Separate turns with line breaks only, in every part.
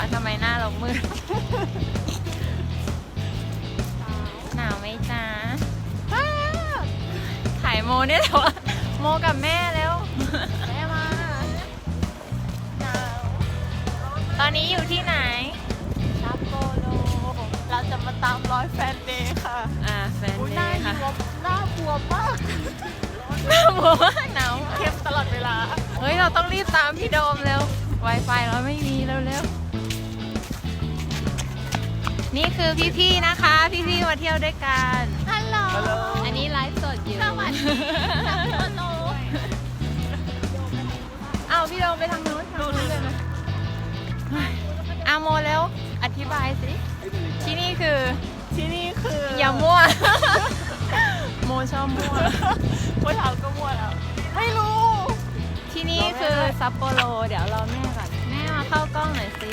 ทำไมหน้าเรามืด หนาวไหมจ๊ะถ่ายโมเนี่ยแต่ว่าโมกับแม่แล้ว
แม่มาหนาว
ตอนนี้อยู่ที่ไหน
ซัปโปโรเราจะมาตามรอยแฟนเดย์ค่ะ
แฟน
อุ๊ย
เด
หน้า
ย์ค่ะ
บวมหน้าบวมมาก
หนาวมากหนาว
เข้มตลอดเวลา
เฮ้ยเราต้องรีบตามพี่โดมเร็ว Wi-Fi เราไม่มีเร็วๆนี่คือพี่ๆนะคะ พี่ๆมาเที่ยวด้วยกัน
ฮัลโหล
อันนี้ไลฟ์สดอยู่
สวัสดีซัปโปโร
อ้าวพี่โดมไปทางนู้นเลยนะอาโมแล้วอธิบายสิ ที่นี่คือ
ที่นี่คือ
อย่ามั่ว โมชอบมั่ว
พวกเราก็มั่วแล้วไม่รู้
ที่นี่คือซัปโปโรเดี๋ยวรอแม่ก่อน แม่มาเข้ากล้องหน่อยสิ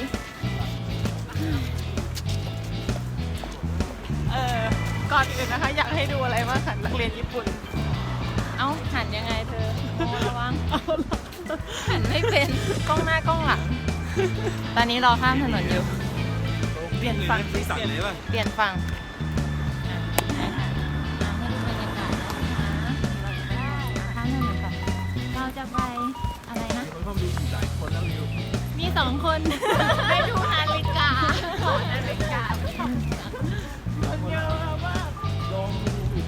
ก่อนอื่นนะคะ อยากให้ดูอะไรบ้างคะนักเรียนญี่ปุ่น
เอ้าหันยังไงเธอโมระวัง หันไม่เป็นกล้องหน้ากล้องหลัง ตอนนี้รอข้ามถนนอยู่
เปลี่ยนฝั่ง
สีสันเลยป่ะ
เปลี่ยนฝั่งอ่ะได้ค่ะให้ดูบรรยากาศนะคะข้ามถนนก่อนเราจะไปอะไรนะ
คนเข้ามาดูหลายคนแล้ววิว
มี2 คน
ได้ดูนาฬิกานาฬิกามันเยอะมาก
ลองดูอีก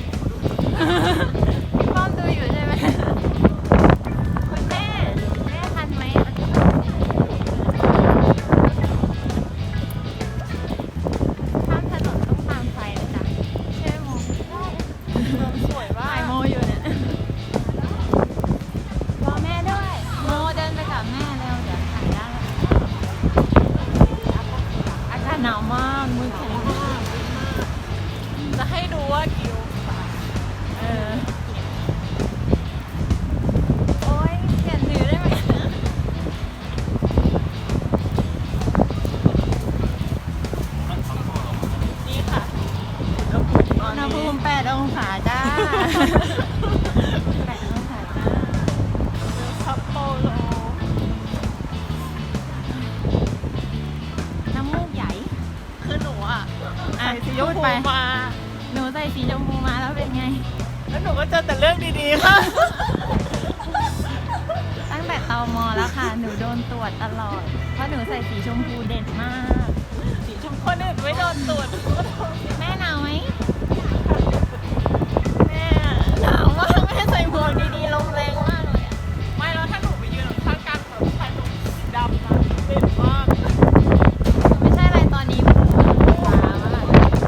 พี่ป้อมดูอยู่ใช่ไหมคุณแม่ทันไหมข้ามถนนต้องตามไฟนะจ๊ะใช่ไหมโม
สวยมา
ถ่าย
ก
โมอยู่เนี่ยรอแม่ด้วย โมเดินไปกับแม่เร็วเดี๋ยวถ่ายได้อากาศหนาวมากมือแข็งมาก
จะให้ดูว่ากี่องศา
เออโอ๊ยเปลี่ยนถือได้ไหม
นี่ค่ะต
อุ
อน
ณหภู
นี้
มิ8 องศาจ้า 8 องศาจ้า
ซัปโปโร
น้ำมูกใหญ่
คือหนูอ่ะ
อ่ะ
ใส่สีช
พู
ม
ด
พู
ไป
มา
หนูใส่สีชมพูมาแล้วเป็นไง
แล้วหนูก็เจอแต่เรื่องดีๆค่ะ
ตั้งแต่ตมแล้วค่ะ หนูโดนตรวจตลอด เพราะหนูใส่สีชมพูเด่นมาก
สีชมพูคนอื่นไม่โดนตรวจ
แม่หนาวไหม
แม่
หนาวมากแม่ใส่หมวกดีๆลมแรงมากเลยอะ
ไม่แล้วถ้าหนูไปยืนข้างกลางแบบชายหนุ่มสีดำนะเด่นมาก
ไม่ใช่อะไรตอนนี้มันฟ้ามาก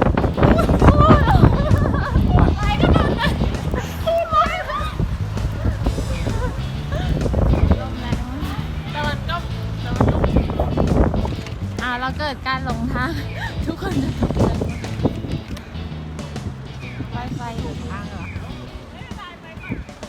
ลมแรงมาก
แต่มันก็
เราเกิดการหลงทาง ทุกคนจะตกใจไฟหลุดทางเหรอ